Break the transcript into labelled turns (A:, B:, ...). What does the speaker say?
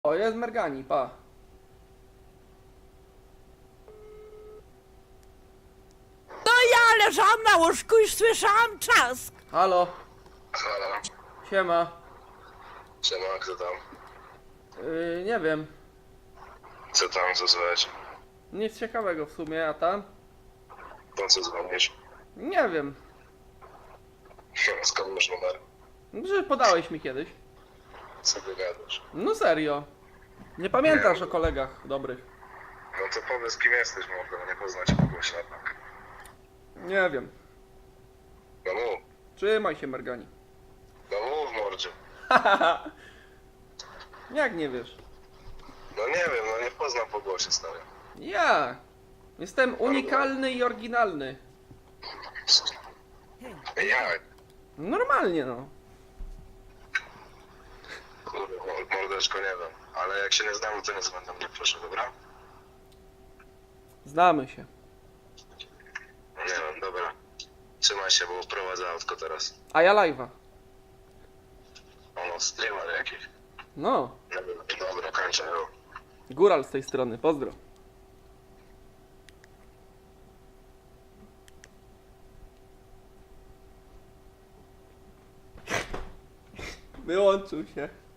A: O, jest Mergani, pa.
B: To ja leżałam na łóżku i słyszałam trzask.
A: Halo,
C: Halo,
A: siema.
C: siema, kto tam?
A: Nie wiem,
C: Co tam, co słychać?
A: nic ciekawego w sumie, a tam?
C: Po co dzwonisz?
A: Nie wiem,
C: Skąd masz numer?
A: że podałeś mi kiedyś.
C: Co ty gadasz?
A: No serio. Nie pamiętasz o kolegach dobrych.
C: No to powiedz, kim jesteś, mordo, nie poznać kogoś jednak.
A: Nie wiem.
C: No mów,
A: Trzymaj się, Mergani.
C: no mów, mordzie.
A: Jak nie wiesz?
C: No nie wiem, no nie poznam po głosie, stary.
A: Ja jestem unikalny i oryginalny.
C: Jak?
A: Normalnie no.
C: Kurde, mordeczko, nie wiem. Ale jak się nie znamy, to nie dzwoń mnie, proszę, dobra?
A: Znamy się.
C: Nie wiem, dobra. Trzymaj się, bo prowadzę autko teraz.
A: A ja live'a.
C: Ono, streamer jakiś.
A: No.
C: Nie wiem, dobra, kończę, jo.
A: Góral z tej strony, pozdro. Wyłączył się.